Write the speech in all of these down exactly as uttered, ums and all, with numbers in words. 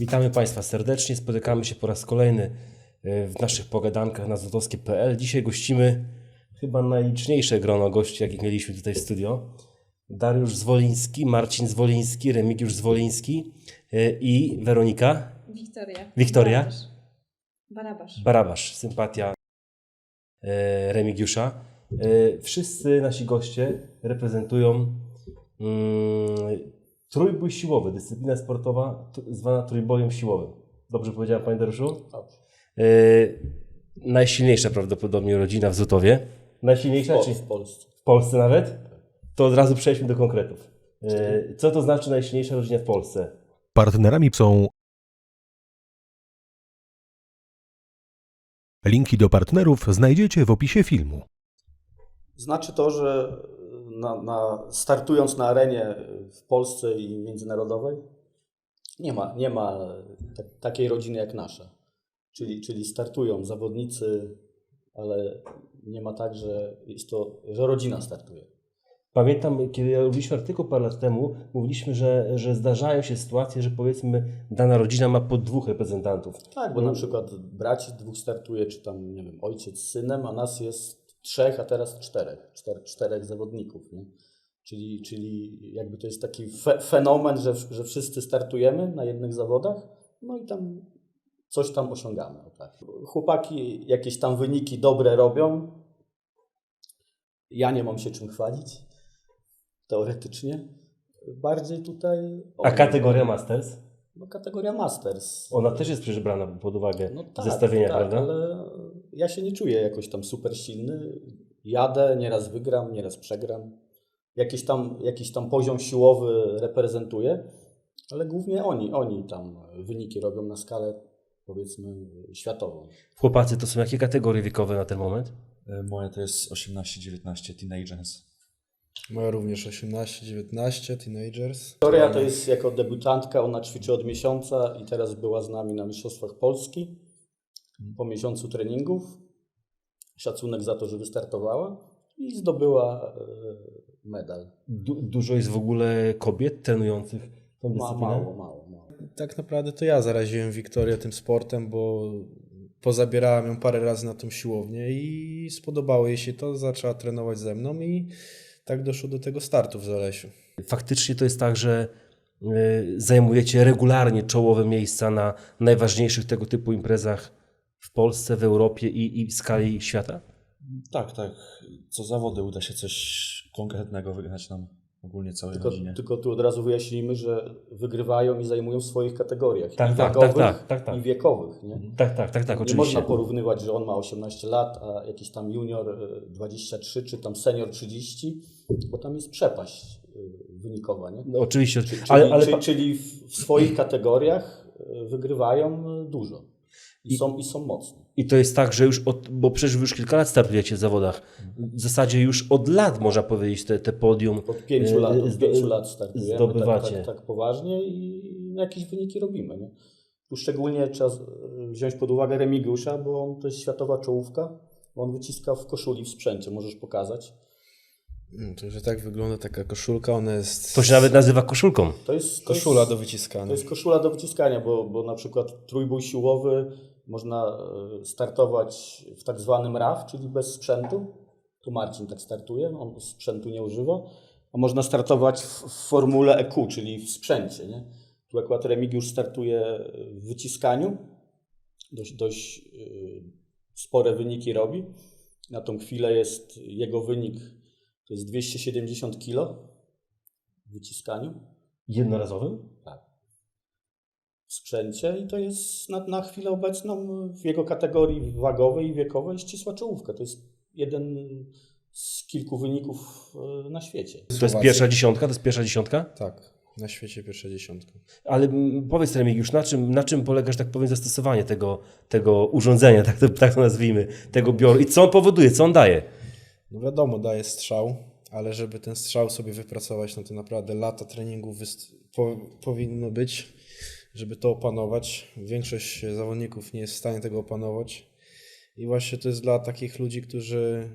Witamy Państwa serdecznie. Spotykamy się po raz kolejny w naszych pogadankach na złotowskie kropka p l. Dzisiaj gościmy chyba najliczniejsze grono gości, jakich mieliśmy tutaj w studio. Dariusz Zwoliński, Marcin Zwoliński, Remigiusz Zwoliński i Weronika. Wiktoria. Wiktoria. Barabasz. Barabasz. Barabasz. Sympatia Remigiusza. Wszyscy nasi goście reprezentują mm, trójbój siłowy, dyscyplina sportowa zwana trójbojem siłowym. Dobrze powiedziałem, panie Dariuszu? Dobrze. Yy, najsilniejsza prawdopodobnie rodzina w Zutowie. Najsilniejsza? W, czy w Polsce. W Polsce nawet? To od razu przejdźmy do konkretów. Yy, co to znaczy najsilniejsza rodzina w Polsce? Partnerami są linki do partnerów znajdziecie w opisie filmu. Znaczy to, że na, na, startując na arenie w Polsce i międzynarodowej nie ma, nie ma ta, takiej rodziny jak nasza. Czyli, czyli startują zawodnicy, ale nie ma tak, że jest to, że rodzina startuje. Pamiętam, kiedy robiliśmy artykuł parę lat temu, mówiliśmy, że, że zdarzają się sytuacje, że powiedzmy dana rodzina ma po dwóch reprezentantów. Tak, bo na przykład braci dwóch startuje, czy tam, nie wiem, ojciec z synem, a nas jest trzech, a teraz czterech, czter, czterech zawodników. Nie? Czyli, czyli jakby to jest taki fe, fenomen, że, że wszyscy startujemy na jednych zawodach, no i tam coś tam osiągamy. O tak. Chłopaki jakieś tam wyniki dobre robią. Ja nie mam się czym chwalić, teoretycznie. Bardziej tutaj... A kategoria Masters? No kategoria Masters. Ona też jest przecież brana pod uwagę No tak, zestawienia, tak, prawda? ale ja się nie czuję jakoś tam super silny. Jadę, nieraz wygram, nieraz przegram. Jakiś tam, jakiś tam poziom siłowy reprezentuję, ale głównie oni, oni tam wyniki robią na skalę, powiedzmy, światową. Chłopacy, to są jakie kategorie wiekowe na ten moment? Moja to jest osiemnaście dziewiętnaście Teenagers. Moja również osiemnaście dziewiętnaście Teenagers. Wiktoria to jest jako debiutantka, ona ćwiczy od miesiąca i teraz była z nami na Mistrzostwach Polski po miesiącu treningów. Szacunek za to, że wystartowała i zdobyła medal. Du- dużo jest w ogóle kobiet trenujących tą Ma, dyscyplinę? mało, mało, mało. Tak naprawdę to ja zaraziłem Wiktorię tym sportem, bo pozabierałem ją parę razy na tą siłownię i spodobało jej się to, zaczęła trenować ze mną i tak doszło do tego startu w Zalesiu. Faktycznie to jest tak, że y, zajmujecie regularnie czołowe miejsca na najważniejszych tego typu imprezach w Polsce, w Europie i, i w skali świata? Tak, tak. Co zawody uda się coś konkretnego wygrać nam ogólnie całej Tylko, rodzinie. tylko tu od razu wyjaśnijmy, że wygrywają i zajmują w swoich kategoriach. Tak, i tak, wagowych, tak, tak, tak, tak. i wiekowych. Nie? Tak, tak, tak, tak, Nie oczywiście. można porównywać, że on ma osiemnaście lat, a jakiś tam junior dwadzieścia trzy, czy tam senior trzydzieści, bo tam jest przepaść wynikowa. Nie? No, oczywiście, Czyli, ale, ale czyli, czyli w swoich kategoriach wygrywają dużo i, I- są, i są mocni. i to jest tak, że już od, bo przecież wy już kilka lat startujecie w zawodach. W zasadzie już od lat można powiedzieć te, te podium Od pięciu lat, od zdo- pięciu lat startujemy zdobywacie. tak, tak, tak poważnie i jakieś wyniki robimy. Nie? Tu szczególnie trzeba wziąć pod uwagę Remigiusza, bo on to jest światowa czołówka. On wyciska w koszuli, w sprzęcie, możesz pokazać. No, to, że tak wygląda taka koszulka, ona jest... To się nawet nazywa koszulką. To jest, to koszula jest, do wyciskania. To jest koszula do wyciskania, bo, bo na przykład trójbój siłowy można e, startować w tak zwanym R A W, czyli bez sprzętu. Tu Marcin tak startuje, on sprzętu nie używa. A można startować w, w formule E Q, czyli w sprzęcie. Nie? Tu akurat Remigiusz startuje w wyciskaniu. Dość, dość e, spore wyniki robi. Na tą chwilę jest jego wynik to jest dwieście siedemdziesiąt kilo w wyciskaniu. Jednorazowym? Tak. W sprzęcie i to jest na, na chwilę obecną w jego kategorii wagowej i wiekowej ścisła czołówka. To jest jeden z kilku wyników na świecie. To jest pierwsza dziesiątka? To jest pierwsza dziesiątka? Tak, na świecie pierwsza dziesiątka. Ale mm, powiedz Remigiusz, na czym, na czym polega, że tak powiem, zastosowanie tego, tego urządzenia, tak to, tak to nazwijmy, tego bioru i co on powoduje, co on daje? No wiadomo, daje strzał, ale żeby ten strzał sobie wypracować, no to naprawdę lata treningów wyst- po- powinno być, żeby to opanować. Większość zawodników nie jest w stanie tego opanować. I właśnie to jest dla takich ludzi, którzy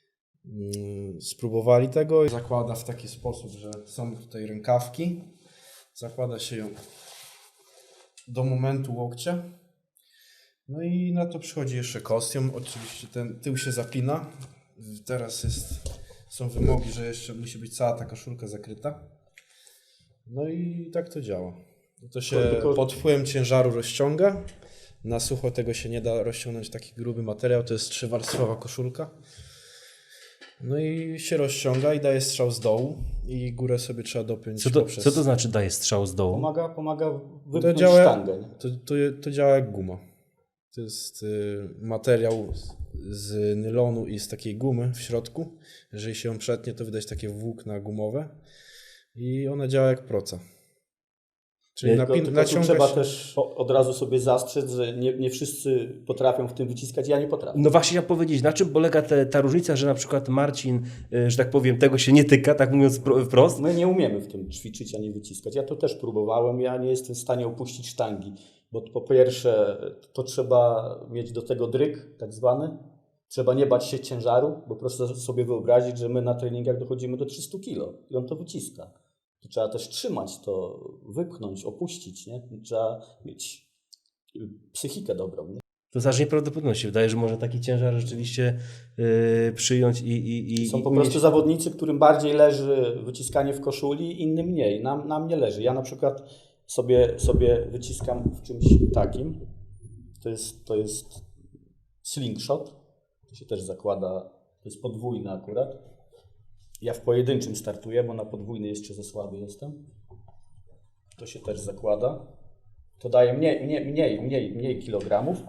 mm, spróbowali tego. Zakłada w taki sposób, że są tutaj rękawki. Zakłada się ją do momentu łokcia. No i na to przychodzi jeszcze kostium. Oczywiście ten tył się zapina. Teraz jest, są wymogi, że jeszcze musi być cała ta koszulka zakryta. No i tak to działa. To się Tylko- pod wpływem ciężaru rozciąga. Na sucho tego się nie da rozciągnąć, taki gruby materiał. To jest trzywarstwowa koszulka. No i się rozciąga i daje strzał z dołu i górę sobie trzeba dopiąć Co to, poprzez... co to znaczy daje strzał z dołu? Pomaga, pomaga To wypchnąć działa, sztangę. Nie? to, to, to działa jak guma. To jest y, materiał z, z nylonu i z takiej gumy w środku. Jeżeli się ją przetnie, to widać takie włókna gumowe i ona działa jak proca. Czyli Tylko, napin, tylko tu naciąga trzeba się... też po- od razu sobie zastrzec, że nie, nie wszyscy potrafią w tym wyciskać, ja nie potrafię. No właśnie chciałem powiedzieć, na czym polega te, ta różnica, że na przykład Marcin, y, że tak powiem, tego się nie tyka, tak mówiąc pro- wprost. My nie umiemy w tym ćwiczyć, ani wyciskać. Ja to też próbowałem, ja nie jestem w stanie opuścić sztangi, bo po pierwsze to trzeba mieć do tego dryk tak zwany, trzeba nie bać się ciężaru, bo proszę sobie wyobrazić, że my na treningach dochodzimy do trzystu kilo i on to wyciska. To trzeba też trzymać to, wypchnąć, opuścić, nie? Trzeba mieć psychikę dobrą, nie? To znaczy nieprawdopodobne się wydaje, że może taki ciężar rzeczywiście y, przyjąć i, i, i Są i po umieć- prostu zawodnicy, którym bardziej leży wyciskanie w koszuli, innym mniej. Nam, nam nie leży. Ja na przykład sobie, sobie wyciskam w czymś takim. To jest, to jest slingshot. To się też zakłada, to jest podwójny akurat. Ja w pojedynczym startuję, bo na podwójny jeszcze za słaby jestem. To się też zakłada. To daje mniej, mniej, mniej, mniej, mniej kilogramów.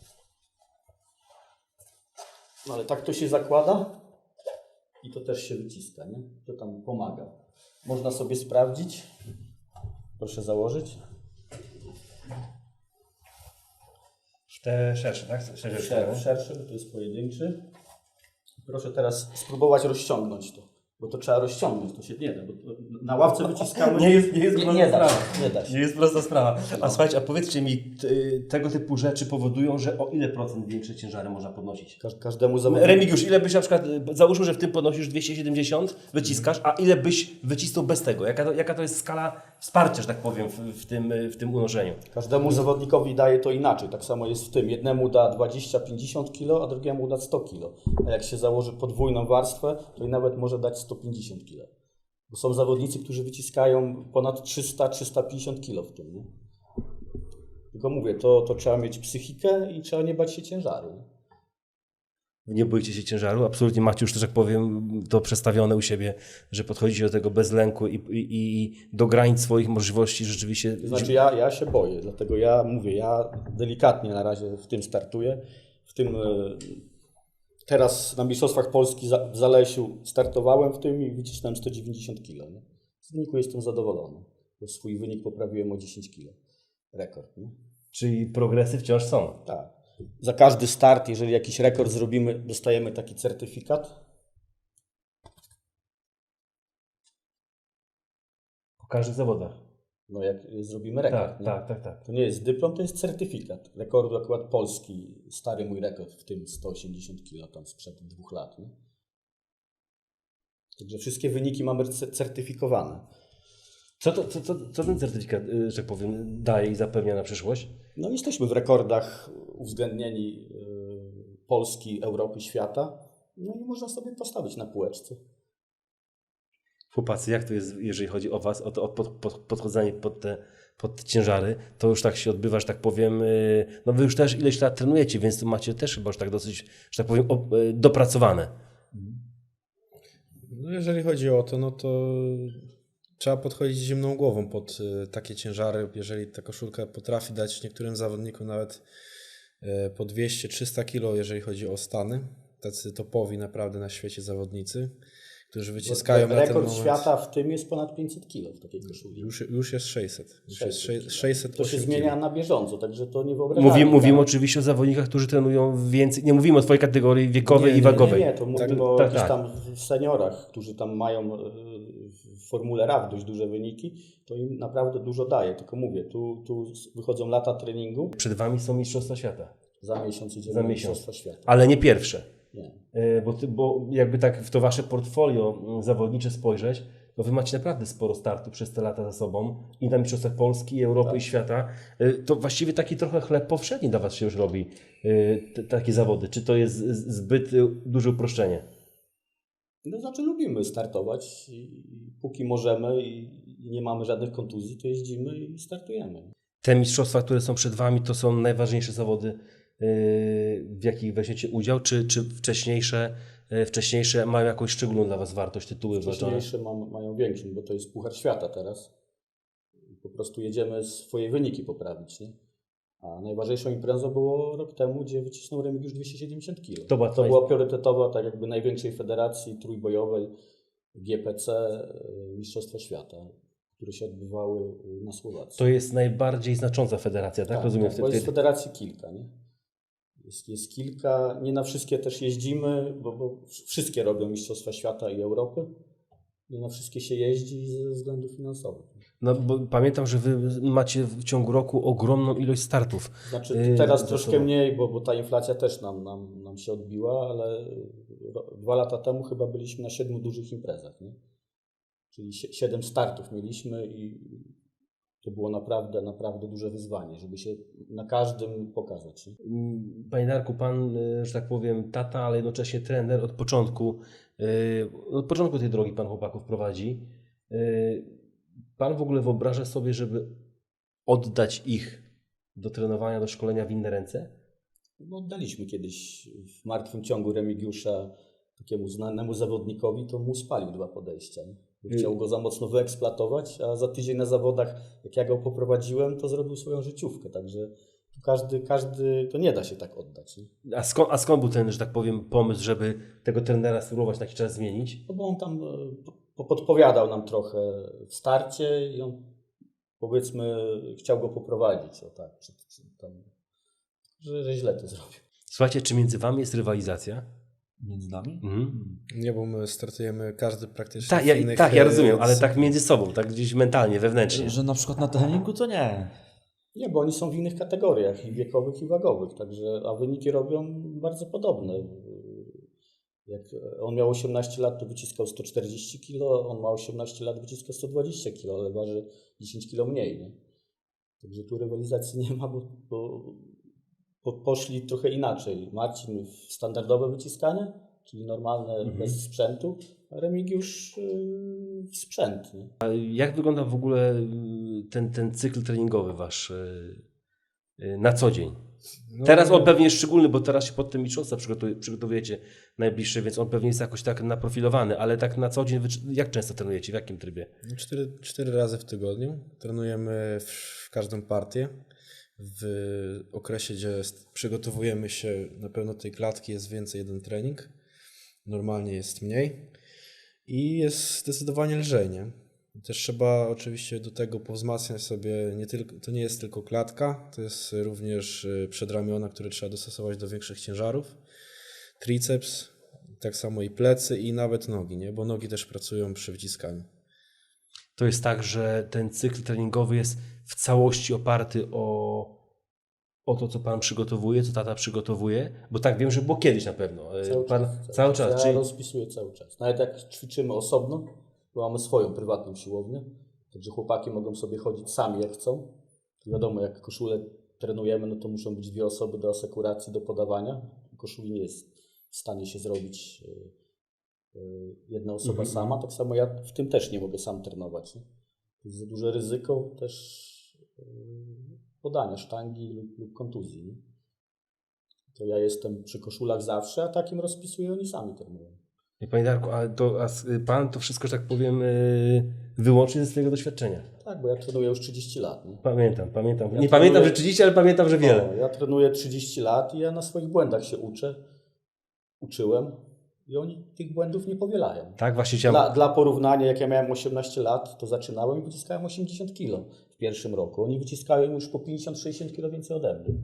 No ale tak to się zakłada i to też się wyciska, nie? To tam pomaga. Można sobie sprawdzić. Proszę założyć. Te szersze, tak? Szersze, Szer- Szerszy, bo to jest pojedynczy. Proszę teraz spróbować rozciągnąć to, bo to trzeba rozciągnąć, to się nie da, bo to na ławce wyciskamy. Nie jest, nie jest nie, prosta nie da sprawa. się, nie da się. Nie jest prosta sprawa. A słuchajcie, a powiedzcie mi, t, tego typu rzeczy powodują, że o ile procent większe ciężary można podnosić? Każ- Każdemu zawodnikowi. Remigiusz, ile byś na przykład, załóżmy, że w tym podnosisz dwieście siedemdziesiąt, wyciskasz, a ile byś wycisnął bez tego? Jaka to, jaka to jest skala wsparcia, że tak powiem, w, w, tym, w tym unoszeniu? Każdemu zawodnikowi daje to inaczej. Tak samo jest w tym. Jednemu da dwadzieścia pięćdziesiąt kilo, a drugiemu da sto kilo. A jak się założy podwójną warstwę, to i nawet może dać sto pięćdziesiąt kilo. Bo są zawodnicy, którzy wyciskają ponad trzysta trzysta pięćdziesiąt kilo w tym. Nie? Tylko mówię, to, to trzeba mieć psychikę i trzeba nie bać się ciężaru. Nie? Nie boicie się ciężaru? Absolutnie macie już, że tak powiem, to przestawione u siebie, że podchodzicie do tego bez lęku i, i, i do granic swoich możliwości rzeczywiście. To znaczy ja, ja się boję, dlatego ja mówię, ja delikatnie na razie w tym startuję. W tym e, teraz na Mistrzostwach Polski za- w Zalesiu startowałem w tym i wycisnąłem sto dziewięćdziesiąt kilo. Nie? Z wyniku jestem zadowolony, bo swój wynik poprawiłem o dziesięć kilo. Rekord. Nie? Czyli progresy wciąż są. Tak. Za każdy start, jeżeli jakiś rekord zrobimy, dostajemy taki certyfikat. Po każdych zawodach. No jak zrobimy rekord. Tak, nie? tak, tak, tak. To nie jest dyplom, to jest certyfikat. Rekordu akurat Polski, stary mój rekord, w tym sto osiemdziesiąt kilo tam sprzed dwóch lat. Nie? Także wszystkie wyniki mamy cer- certyfikowane. Co, to, co, co, co ten certyfikat, y, że tak powiem, daje i zapewnia na przyszłość? No jesteśmy w rekordach uwzględnieni yy, Polski, Europy, świata. No i można sobie postawić na półeczce. Chłopacy, jak to jest, jeżeli chodzi o was, o to o pod, pod, podchodzenie pod te, pod te ciężary? To już tak się odbywa, że tak powiem, y, no wy już też ileś lat trenujecie, więc to macie też chyba już tak dosyć, że tak powiem, o, y, dopracowane. No jeżeli chodzi o to, no to trzeba podchodzić zimną głową pod y, takie ciężary. Jeżeli ta koszulka potrafi dać niektórym zawodnikom nawet y, po dwieście trzysta kilo, jeżeli chodzi o stany, tacy topowi naprawdę na świecie zawodnicy, którzy wyciskają na ten Rekord moment. świata w tym jest ponad pięćset kilo w takiej koszuli. Już, już jest sześćset. Już jest sześćset kilo. sześćset To się osiem zmienia kilo. na bieżąco, także to nie wyobrażamy. Mówimy, mówimy tak? oczywiście o zawodnikach, którzy trenują więcej, nie mówimy o twojej kategorii wiekowej Nie, i nie, wagowej. Nie, nie, to mówimy Tak, o tak, jakichś tak. tam seniorach, którzy tam mają e, w Formule R A W dość duże wyniki, to im naprawdę dużo daje. Tylko mówię, tu, tu wychodzą lata treningu, Przed wami są Mistrzostwa Świata, za miesiąc idziemy Za na miesiąc. Mistrzostwa Świata. ale nie pierwsze. Nie. E, Bo, ty, bo jakby tak w to wasze portfolio mm, zawodnicze spojrzeć, no wy macie naprawdę sporo startów przez te lata za sobą i na Mistrzostwach Polski, i Europy Tak. i świata. Y, To właściwie taki trochę chleb powszedni dla was się już robi, y, te, takie zawody. Czy to jest z- zbyt y, duże uproszczenie? No znaczy lubimy startować i i póki możemy i i nie mamy żadnych kontuzji, to jeździmy i startujemy. Te mistrzostwa, które są przed wami, to są najważniejsze zawody, y, w jakich weźmiecie udział, czy, czy wcześniejsze, y, wcześniejsze mają jakąś szczególną dla was wartość, tytuły wywalczone? Wcześniejsze mam, mają większą, bo to jest Puchar Świata teraz. Po prostu jedziemy swoje wyniki poprawić, nie? A najważniejszą imprezą było rok temu, gdzie wycisnął Remigiusz dwieście siedemdziesiąt kilo. To była To twoja- była priorytetowa, tak jakby największej federacji trójbojowej G P C y, Mistrzostwa Świata, które się odbywały y, na Słowacji. To jest najbardziej znacząca federacja, tak? Rozumiem. Tak, bo jest wtedy. federacji kilka, nie? Jest, jest kilka, nie na wszystkie też jeździmy, bo, bo wszystkie robią Mistrzostwa Świata i Europy. Nie na wszystkie się jeździ ze względów finansowych. No bo pamiętam, że wy macie w ciągu roku ogromną ilość startów. Znaczy Yy, teraz za troszkę sobą. mniej, bo, bo ta inflacja też nam, nam, nam się odbiła, ale ro- dwa lata temu chyba byliśmy na siedmiu dużych imprezach, nie? Czyli sie- siedem startów mieliśmy i to było naprawdę, naprawdę duże wyzwanie, żeby się na każdym pokazać. Nie? Mm, Panie Darku, pan, y, że tak powiem, tata, ale jednocześnie trener od początku, y, od początku tej drogi pan chłopaków prowadzi. Y, Pan w ogóle wyobraża sobie, żeby oddać ich do trenowania, do szkolenia w inne ręce? No, oddaliśmy kiedyś w martwym ciągu Remigiusza takiemu znanemu zawodnikowi, to mu spalił dwa podejścia. Nie? Bo Chciał go za mocno wyeksploatować, a za tydzień na zawodach, jak ja go poprowadziłem, to zrobił swoją życiówkę. Także tu każdy, każdy, to nie da się tak oddać. Nie? A skąd, a skąd był ten, że tak powiem, pomysł, żeby tego trenera spróbować na jakiś czas zmienić? No bo on tam e, po- podpowiadał nam trochę w starcie i on, powiedzmy, chciał go poprowadzić. O tak, czy, czy tam, że, że źle to zrobił. Słuchajcie, czy między wami jest rywalizacja? Między nami? Mhm. Nie, bo my startujemy każdy praktycznie Tak, w ja, innych, tak, ja e, rozumiem, ale c- tak między sobą, tak gdzieś mentalnie, wewnętrznie. Że na przykład na treningu to nie. Nie, bo oni są w innych kategoriach, i wiekowych, i wagowych, także, a wyniki robią bardzo podobne. Jak on miał osiemnaście lat, to wyciskał sto czterdzieści kilo, on ma osiemnaście lat, wyciska sto dwadzieścia kilo, ale waży dziesięć kilo mniej. Nie? Także tu rywalizacji nie ma, bo, bo, bo poszli trochę inaczej. Marcin w standardowe wyciskanie, czyli normalne, Mhm. bez sprzętu, a Remigiusz yy, w sprzęt. Nie? Jak wygląda w ogóle y, ten, ten cykl treningowy wasz y, y, na co dzień? No, Teraz on pewnie jest szczególny, bo teraz się pod tym mistrzostwa przygotu- przygotowujecie najbliższe, więc on pewnie jest jakoś tak naprofilowany, ale tak na co dzień, wy, jak często trenujecie, w jakim trybie? Cztery, cztery razy w tygodniu. Trenujemy w, w każdą partię. W okresie, gdzie st- przygotowujemy się na pewno tej klatki, jest więcej jeden trening. Normalnie jest mniej. I jest zdecydowanie lżej, nie? Też trzeba oczywiście do tego powzmacniać sobie, nie tylko, to nie jest tylko klatka, to jest również y, przedramiona, które trzeba dostosować do większych ciężarów. Triceps, tak samo i plecy i nawet nogi, nie? Bo nogi też pracują przy wyciskaniu. To jest tak, że ten cykl treningowy jest w całości oparty o, o to, co pan przygotowuje, co tata przygotowuje, bo tak wiem, że było kiedyś na pewno. Y, pan, cały czas. Ja czyli... rozpisuję cały czas. Nawet jak ćwiczymy osobno, bo mamy swoją prywatną siłownię, także chłopaki mogą sobie chodzić sami jak chcą. Wiadomo, jak koszulę trenujemy, no to muszą być dwie osoby do asekuracji, do podawania. Koszuli nie jest w stanie się zrobić y, y, jedna osoba Mhm. sama. Tak samo ja w tym też nie mogę sam trenować. Nie? To jest za duże ryzyko też y, podania sztangi lub, lub kontuzji. Nie? To ja jestem przy koszulach zawsze, a takim rozpisuję, oni sami trenują. Nie, Panie Darku, a, to, a s- pan to wszystko, że tak powiem, y, wyłącznie ze swojego doświadczenia. Tak, bo ja trenuję już trzydzieści lat. Nie? Pamiętam, pamiętam. Ja nie trenuję- pamiętam, że trzydzieści, ale pamiętam, że wiele. No, ja trenuję trzydzieści lat i ja na swoich błędach się uczę. Uczyłem i oni tych błędów nie powielają. Tak, właśnie chciałem... Dla, dla porównania, jak ja miałem osiemnaście lat, to zaczynałem i wyciskałem osiemdziesiąt kilo w pierwszym roku. Oni wyciskają już po pięćdziesiąt sześćdziesiąt kilo więcej ode mnie.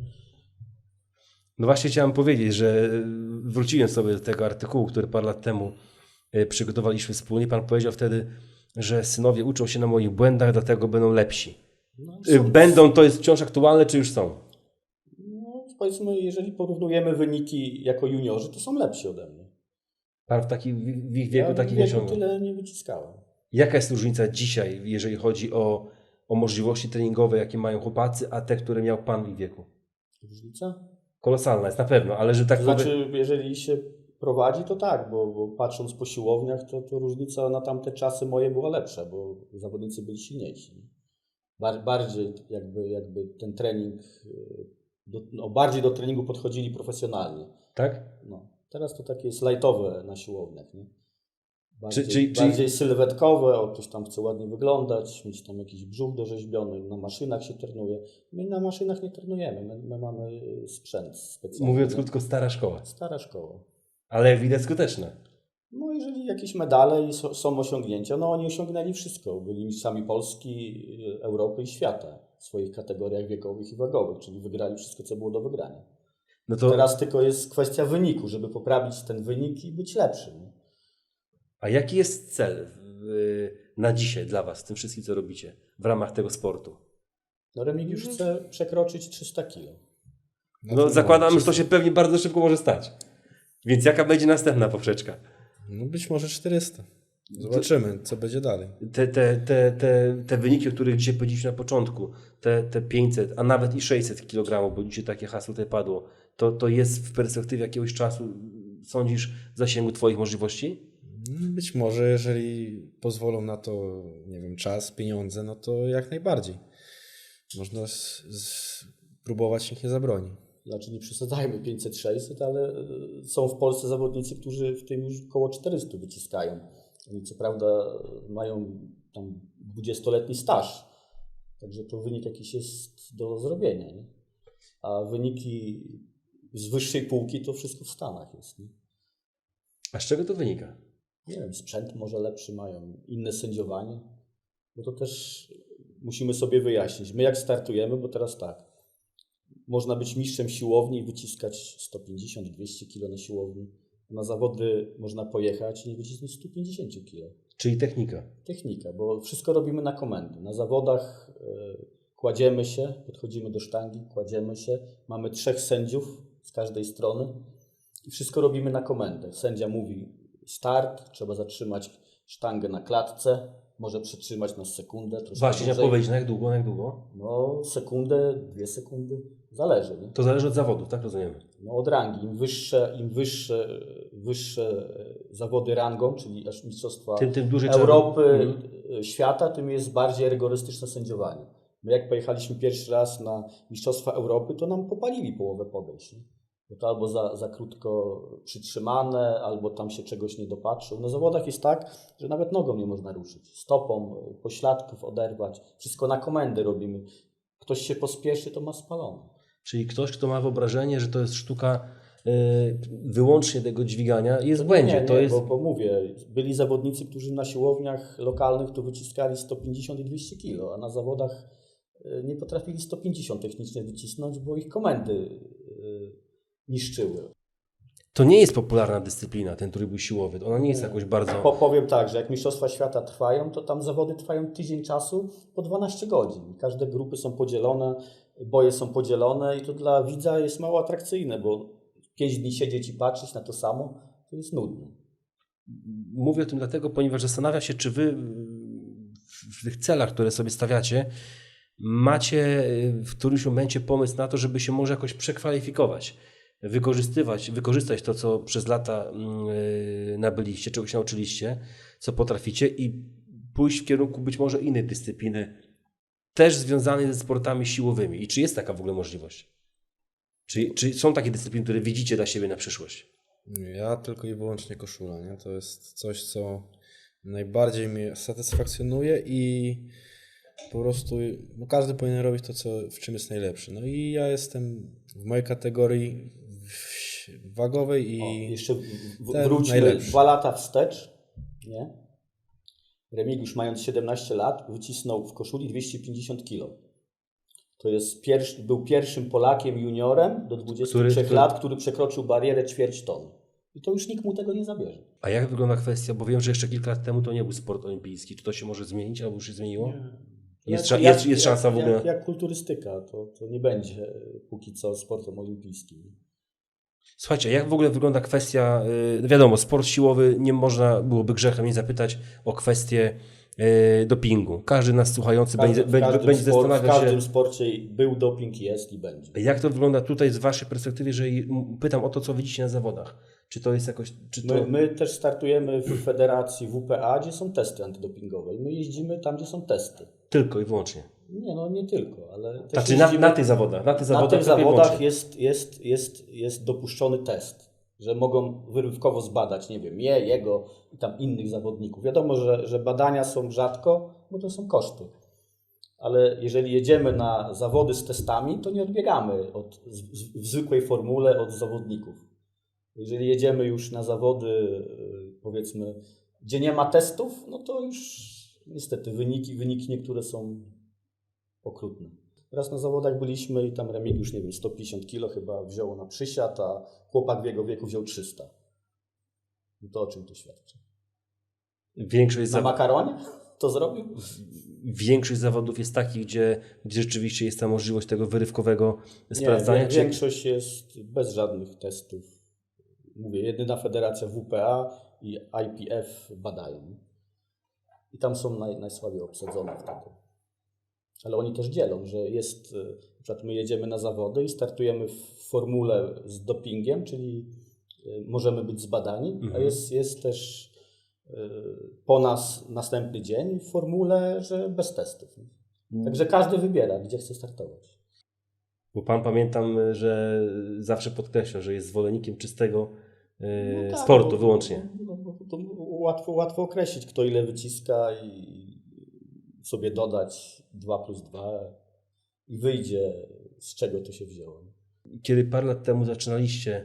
No właśnie chciałem powiedzieć, że wróciłem sobie do tego artykułu, który parę lat temu y, przygotowaliśmy wspólnie. Pan powiedział wtedy, że synowie uczą się na moich błędach, dlatego będą lepsi. No, Y, są- Będą, to jest wciąż aktualne, czy już są? no, powiedzmy, jeżeli porównujemy wyniki jako juniorzy, to są lepsi ode mnie. Pan w, taki, w ich wieku Ja takich w wieku osiągnął. tyle nie wyciskałem. Jaka jest różnica dzisiaj, jeżeli chodzi o, o możliwości treningowe, jakie mają chłopacy, a te, które miał pan w ich wieku? Różnica? Kolosalna jest na pewno, ale że tak To powiem... znaczy, jeżeli się prowadzi, to tak, bo, bo patrząc po siłowniach, to, to różnica na tamte czasy moje była lepsza, bo zawodnicy byli silniejsi. Bar, bardziej jakby, jakby ten trening, yy, do, no bardziej do treningu podchodzili profesjonalnie. Tak? No. Teraz to takie jest lightowe na siłowniach, nie? Bardziej, Czy- czyli- bardziej sylwetkowe, o, ktoś tam chce ładnie wyglądać, mieć tam jakiś brzuch dorzeźbiony, na maszynach się trenuje. My na maszynach nie trenujemy, my, my mamy sprzęt specjalny. Mówiąc nie? krótko, stara szkoła. Stara szkoła. Ale jak widać skuteczne. No jeżeli jakieś medale i so, są osiągnięcia, no oni osiągnęli wszystko. Byli mistrzami Polski, Europy i świata w swoich kategoriach wiekowych i wagowych, czyli wygrali wszystko, co było do wygrania. No to, Teraz tylko jest kwestia wyniku, żeby poprawić ten wynik i być lepszym. a jaki jest cel w, na dzisiaj dla was, w tym wszystkim, co robicie w ramach tego sportu? No Remigiusz chce przekroczyć trzysta kilo. No zakładam, że to się pewnie bardzo szybko może stać. Więc jaka będzie następna poprzeczka? No być może czterysta. Zobaczymy, co będzie dalej. Te, te, te, te, te wyniki, o których dzisiaj powiedzieliśmy na początku, te, te pięćset, a nawet i sześćset kilogramów, bo dzisiaj takie hasło tutaj padło, to, to jest w perspektywie jakiegoś czasu, sądzisz, w zasięgu twoich możliwości? Być może, jeżeli pozwolą na to, nie wiem, czas, pieniądze, no to jak najbardziej. Można z, z, próbować, nikt nie zabroni. Znaczy nie przesadzajmy pięćset sześćset, ale y, są w Polsce zawodnicy, którzy w tym już około czterysta wyciskają. Oni co prawda mają tam dwudziestoletni staż, także to wynik jakiś jest do zrobienia. Nie? A wyniki z wyższej półki to wszystko w Stanach jest. Nie? A z czego to wynika? Nie wiem, sprzęt może lepszy mają, inne sędziowanie, bo to też musimy sobie wyjaśnić. My jak startujemy, bo teraz tak, można być mistrzem siłowni i wyciskać sto pięćdziesiąt do dwieście kilo na siłowni. Na zawody można pojechać i nie wycisnąć sto pięćdziesiąt kilo. Czyli technika. Technika, bo wszystko robimy na komendy. Na zawodach y, kładziemy się, podchodzimy do sztangi, kładziemy się. Mamy trzech sędziów z każdej strony i wszystko robimy na komendę. Sędzia mówi start, trzeba zatrzymać sztangę na klatce, może przytrzymać na sekundę. troszkę Właśnie, chciałem dłużej. powiedzieć, na jak długo, na jak długo? No sekundę, dwie sekundy, zależy. Nie? To zależy od zawodów, tak rozumiemy? No od rangi. Im wyższe, im wyższe, wyższe zawody rangą, czyli aż mistrzostwa Tym, tym dłużej trzeba- Europy, Mhm. świata, tym jest bardziej rygorystyczne sędziowanie. My jak pojechaliśmy pierwszy raz na mistrzostwa Europy, to nam popalili połowę podejść. Nie? Bo to albo za, za krótko przytrzymane, albo tam się czegoś nie dopatrzył. Na zawodach jest tak, że nawet nogą nie można ruszyć. Stopą, pośladków oderwać. Wszystko na komendy robimy. Ktoś się pospieszy, to ma spalone. Czyli ktoś, kto ma wyobrażenie, że to jest sztuka y, wyłącznie tego dźwigania, jest w błędzie. Nie, nie, to jest... bo, bo mówię, byli zawodnicy, którzy na siłowniach lokalnych to wyciskali sto pięćdziesiąt i dwieście kilo, a na zawodach y, nie potrafili sto pięćdziesiąt technicznie wycisnąć, bo ich komendy y, niszczyły. To nie jest popularna dyscyplina, ten trójbój siłowy. Ona nie jest jakoś bardzo... Po, powiem tak, że jak mistrzostwa świata trwają, to tam zawody trwają tydzień czasu po dwanaście godzin. Każde grupy są podzielone, boje są podzielone i to dla widza jest mało atrakcyjne, bo pięć dni siedzieć i patrzeć na to samo, to jest nudne. Mówię o tym dlatego, ponieważ zastanawiam się, czy wy w tych celach, które sobie stawiacie, macie w którymś momencie pomysł na to, żeby się może jakoś przekwalifikować, wykorzystywać, wykorzystać to, co przez lata yy, nabyliście, czego się nauczyliście, co potraficie i pójść w kierunku być może innej dyscypliny, też związanej ze sportami siłowymi. I czy jest taka w ogóle możliwość? Czy, czy są takie dyscypliny, które widzicie dla siebie na przyszłość? Ja tylko i wyłącznie koszula, nie? To jest coś, co najbardziej mnie satysfakcjonuje i po prostu no każdy powinien robić to, co, w czym jest najlepszy. No i ja jestem w mojej kategorii wagowej i O, jeszcze w, w, ten wróćmy najlepszy. dwa lata wstecz. Nie? Remigiusz, mając siedemnaście lat, wycisnął w koszuli dwieście pięćdziesiąt kilo. To jest pierwszy, był pierwszym Polakiem juniorem do dwudziestu trzech Który- który- lat, który przekroczył barierę ćwierć tony. I to już nikt mu tego nie zabierze. A jak wygląda kwestia, bo wiem, że jeszcze kilka lat temu to nie był sport olimpijski. Czy to się może zmienić, albo już się zmieniło? Jest, Jak- sza- jak- jest, jest szansa w jak, ogóle. Jak, jak kulturystyka, to, to nie będzie e, póki co sportem olimpijskim. Słuchajcie, jak w ogóle wygląda kwestia, yy, wiadomo, sport siłowy, nie można byłoby grzechem nie zapytać o kwestię e, dopingu. Każdy nas słuchający W każdym, będzie, w będzie, każdym, będzie sport, w zastanawiał każdym się, sporcie był doping, jest i będzie. jak to wygląda tutaj z waszej perspektywy, że pytam o to, co widzicie na zawodach. Czy to jest jakoś... Czy to... My, my też startujemy w federacji W P A, gdzie są testy antydopingowe. I my jeździmy tam, gdzie są testy. Tylko i wyłącznie. Nie, no nie tylko, ale też Znaczy na, jeździmy- na tych zawodach. Na tych na zawodach, tych tylko i zawodach wyłącznie. jest, jest, jest, jest dopuszczony test, że mogą wyrywkowo zbadać, nie wiem, je, jego i tam innych zawodników. Wiadomo, że, że badania są rzadko, bo to są koszty. Ale jeżeli jedziemy na zawody z testami, to nie odbiegamy od, z, z, w zwykłej formule od zawodników. Jeżeli jedziemy już na zawody, yy, powiedzmy, gdzie nie ma testów, no to już niestety wyniki, wyniki niektóre są okrutne. Raz na zawodach byliśmy i tam Remigiusz, nie wiem, sto pięćdziesiąt kilo chyba wziął na przysiad, a chłopak w jego wieku wziął trzysta. No to o czym to świadczy? Większość, Na zaw... makaronie to zrobił? Większość zawodów jest takich, gdzie, gdzie rzeczywiście jest ta możliwość tego wyrywkowego sprawdzania. Nie, czy... większość jest bez żadnych testów. Mówię, jedyna federacja W P A i I P F badają. I tam są naj, najsłabiej obsadzone wtedy. Ale oni też dzielą, że jest, na przykład my jedziemy na zawody i startujemy w formule z dopingiem, czyli możemy być zbadani, Mhm. a jest, jest też po nas następny dzień w formule, że bez testów. Także każdy wybiera, gdzie chce startować. Bo pan, pamiętam, że zawsze podkreśla, że jest zwolennikiem czystego e, No tak, sportu bo- wyłącznie. bo- bo- bo to łatwo, łatwo określić, kto ile wyciska i sobie dodać dwa plus dwa i wyjdzie, z czego to się wzięło. Kiedy parę lat temu zaczynaliście,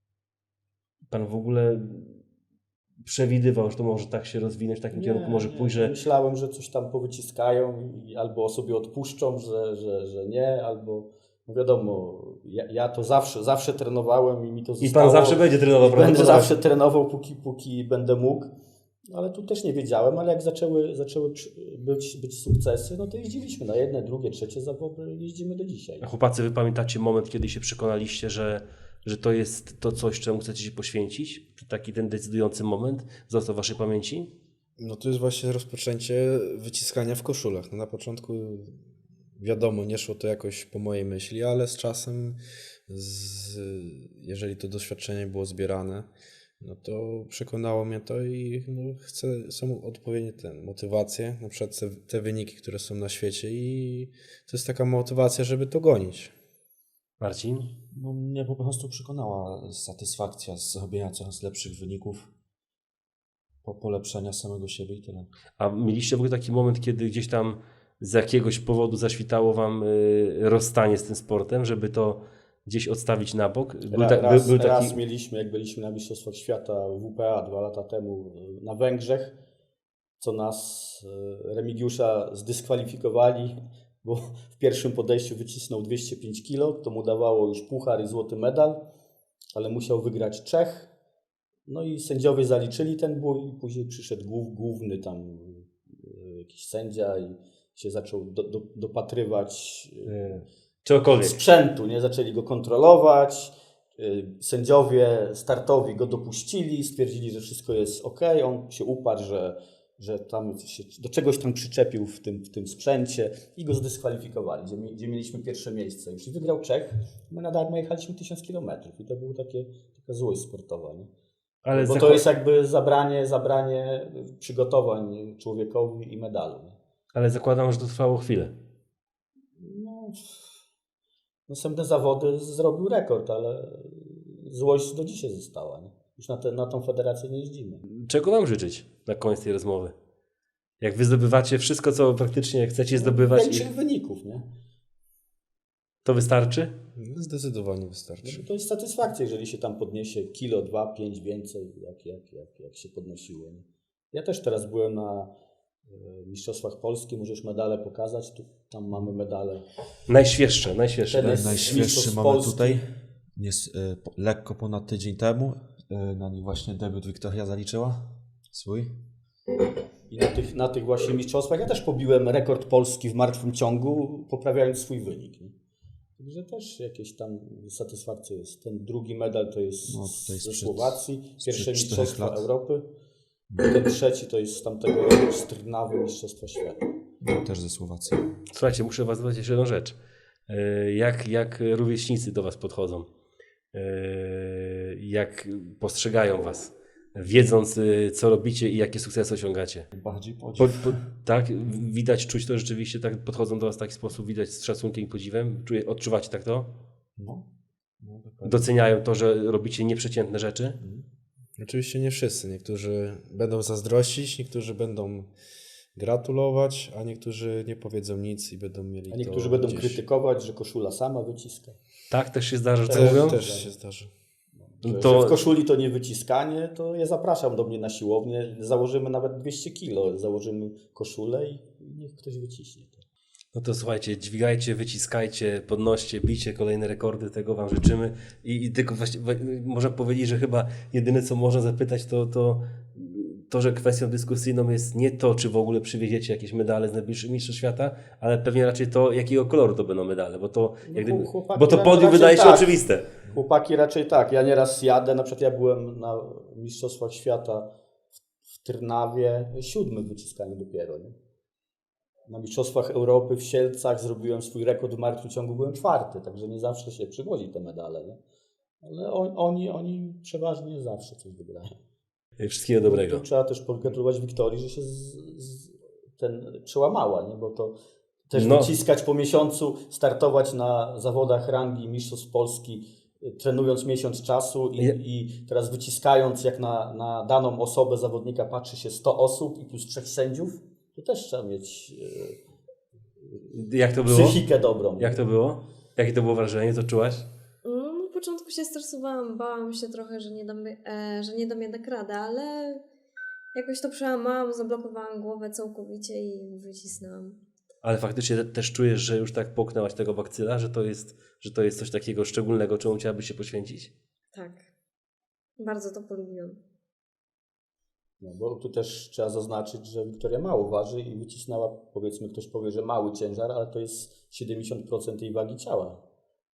pan w ogóle przewidywał, że to może tak się rozwinąć, w takim kierunku może pójść, że Myślałem, że coś tam powyciskają i albo sobie odpuszczą, że, że, że nie, albo no wiadomo, ja, ja to zawsze, zawsze trenowałem i mi to i zostało. pan zawsze będzie trenował, Będę prawdopodobnie. zawsze trenował, póki, póki będę mógł. Ale tu też nie wiedziałem, ale jak zaczęły, zaczęły przy- być, być sukcesy, no to jeździliśmy na jedne, drugie, trzecie zawody, jeździmy do dzisiaj. A chłopacy, wy pamiętacie moment, kiedy się przekonaliście, że, że to jest to coś, czemu chcecie się poświęcić? Czy taki ten decydujący moment został w waszej pamięci? No to jest właśnie rozpoczęcie wyciskania w koszulach. No na początku wiadomo, nie szło to jakoś po mojej myśli, ale z czasem, z, jeżeli to doświadczenie było zbierane, no to przekonało mnie to i no, chcę, są odpowiednie ten, motywacje, na przykład te, te wyniki, które są na świecie i to jest taka motywacja, żeby to gonić. Marcin? No, mnie po prostu przekonała satysfakcja z zrobienia coraz lepszych wyników, po polepszenia samego siebie i tyle. A mieliście w ogóle taki moment, kiedy gdzieś tam z jakiegoś powodu zaświtało wam y, rozstanie z tym sportem, żeby to gdzieś odstawić na bok? Był, Ra, ta, raz, był, był raz taki... mieliśmy, jak byliśmy na Mistrzostwach Świata W P A dwa lata temu na Węgrzech, co nas, e, Remigiusza, zdyskwalifikowali, bo w pierwszym podejściu wycisnął dwieście pięć kilo, to mu dawało już puchar i złoty medal, ale musiał wygrać Czech. No i sędziowie zaliczyli ten bój i później przyszedł głów, główny tam e, jakiś sędzia i się zaczął do, do, dopatrywać e, Czegokolwiek. sprzętu, nie? Zaczęli go kontrolować. y, Sędziowie startowi go dopuścili, stwierdzili, że wszystko jest ok. On się uparł, że, że tam się do czegoś tam przyczepił w tym, w tym sprzęcie i go zdyskwalifikowali, gdzie, mi- gdzie mieliśmy pierwsze miejsce. Już i wygrał Czech. My na darmo jechaliśmy tysiąc kilometrów i to była takie, taka złość sportowa. Nie? Ale Bo zako- to jest jakby zabranie, zabranie przygotowań człowiekowi i medalu. Nie? Ale zakładam, że to trwało chwilę. No, następne zawody zrobił rekord, ale złość do dzisiaj została. Nie? Już na, te, na tą federację nie jeździmy. Czego wam życzyć na koniec tej rozmowy? Jak wy zdobywacie wszystko, co praktycznie chcecie zdobywać, i Większych wyników, nie? to wystarczy? Zdecydowanie wystarczy. To jest satysfakcja, jeżeli się tam podniesie kilo, dwa, pięć więcej, jak, jak, jak, jak się podnosiło. Nie? Ja też teraz byłem na e, Mistrzostwach Polski, możesz medale pokazać, tu, tam mamy medale. Najświeższe, najświeższe. Ten jest- Najświeższy Mistrzostw mamy Polski. tutaj. Jest y, po, lekko ponad tydzień temu. Y, na nim właśnie debiut Wiktoria zaliczyła swój. I na tych, na tych właśnie mistrzostwach ja też pobiłem rekord Polski w martwym ciągu, poprawiając swój wynik. Nie? Także też jakieś tam satysfakcja jest. Ten drugi medal to jest No, tutaj ze sprzed- Słowacji, pierwsze sprzed czterech mistrzostwa lat. Europy. Ten trzeci to jest z tamtego roku z Trnawy Mistrzostwa Świata. Też ze Słowacji. Słuchajcie, muszę was zapytać jeszcze jedną rzecz. E, Jak, jak rówieśnicy do was podchodzą? E, Jak postrzegają was? Wiedząc, e, co robicie i jakie sukcesy osiągacie? Bardziej Po, podziw. po, tak, widać, czuć to rzeczywiście, tak podchodzą do was w taki sposób, widać z szacunkiem i podziwem? Czuje, odczuwacie tak to? No. No, dokładnie. Doceniają to, że robicie nieprzeciętne rzeczy? Oczywiście nie wszyscy. Niektórzy będą zazdrościć, niektórzy będą gratulować, a niektórzy nie powiedzą nic i będą mieli A niektórzy to będą gdzieś. krytykować, że koszula sama wyciska. Tak, też się zdarza, że to Też- mówią? Też się zdarzy. Że, To- że w koszuli to nie wyciskanie, to ja zapraszam do mnie na siłownię. Założymy nawet dwieście kilo, założymy koszulę i niech ktoś wyciśnie to. No to słuchajcie, dźwigajcie, wyciskajcie, podnoście, bijcie kolejne rekordy, tego wam życzymy. I, i tylko właśnie, wa- można powiedzieć, że chyba jedyne co można zapytać to, to to, że kwestią dyskusyjną jest nie to, czy w ogóle przywieziecie jakieś medale z najbliższych mistrzostw świata, ale pewnie raczej to, jakiego koloru to będą medale, bo to, No, jak gdyby, chłopaki bo to raczej podium wydaje się tak. oczywiste. Chłopaki raczej tak. Ja nieraz jadę, na przykład ja byłem na Mistrzostwach Świata w, w Trnawie, siódmy w wyciskaniu dopiero. Nie? Na Mistrzostwach Europy w Sielcach zrobiłem swój rekord w martwym ciągu, byłem czwarty, także nie zawsze się przywozi te medale. Nie? Ale on, oni, oni przeważnie zawsze coś wygrają. Wszystkiego dobrego. Tu trzeba też pogratulować Wiktorii, że się z, z, ten przełamała, nie? Bo to też No. wyciskać po miesiącu, startować na zawodach rangi Mistrzostw Polski, y, trenując miesiąc czasu i, Ja- i teraz wyciskając, jak na, na daną osobę zawodnika patrzy się sto osób i plus trzech sędziów, to też trzeba mieć Jak to y, było? psychikę dobrą. Jak to było? Jakie to było wrażenie? Co czułaś? No, na początku się stresowałam, bałam się trochę, że nie dam, e, że nie dam jednak rady, ale jakoś to przełamałam, zablokowałam głowę całkowicie i wycisnęłam. Ale faktycznie te- też czujesz, że już tak połknęłaś tego bakcyla, że to jest, że to jest coś takiego szczególnego, czemu chciałabyś się poświęcić? Tak. Bardzo to polubiłam. No, bo tu też trzeba zaznaczyć, że Wiktoria mało waży i wycisnęła, powiedzmy, ktoś powie, że mały ciężar, ale to jest siedemdziesiąt procent jej wagi ciała.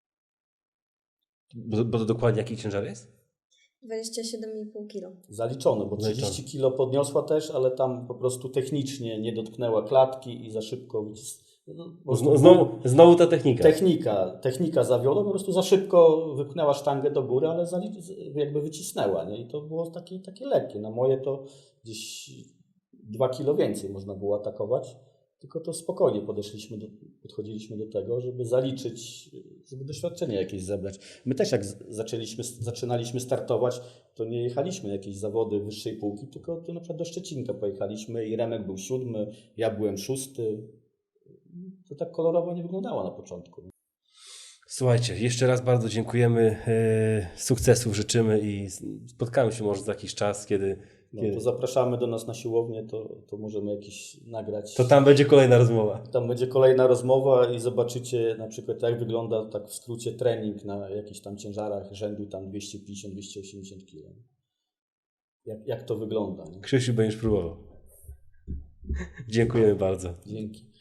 Bo, bo to dokładnie jaki ciężar jest? dwadzieścia siedem i pół kilo. Zaliczone, bo Zaliczone. trzydzieści kilo podniosła też, ale tam po prostu technicznie nie dotknęła klatki i za szybko wycis... no, po prostu Znowu, znowu, znowu ta technika. Technika, technika zawiodła, po prostu za szybko wypchnęła sztangę do góry, ale zali- jakby wycisnęła, nie? I to było takie, takie lekkie. Na moje to gdzieś dwa kilo więcej można było atakować, tylko to spokojnie podeszliśmy do, podchodziliśmy do tego, żeby zaliczyć, żeby doświadczenie jakieś zebrać. My też jak z- zaczęliśmy, zaczynaliśmy startować, to nie jechaliśmy na jakieś zawody wyższej półki, tylko to na przykład do Szczecinka pojechaliśmy i Remek był siódmy, ja byłem szósty. To tak kolorowo nie wyglądało na początku. Słuchajcie, jeszcze raz bardzo dziękujemy, e, sukcesów życzymy i spotkamy się może za jakiś czas, kiedy, No, kiedy... to zapraszamy do nas na siłownię, to, to możemy jakiś nagrać. To tam będzie kolejna rozmowa. Tam będzie kolejna rozmowa i zobaczycie na przykład jak wygląda tak w skrócie trening na jakichś tam ciężarach rzędu tam dwieście pięćdziesiąt do dwieście osiemdziesiąt kilo. Jak, jak to wygląda. Nie? Krzysiu, będziesz próbował. Dziękujemy bardzo. Dzięki.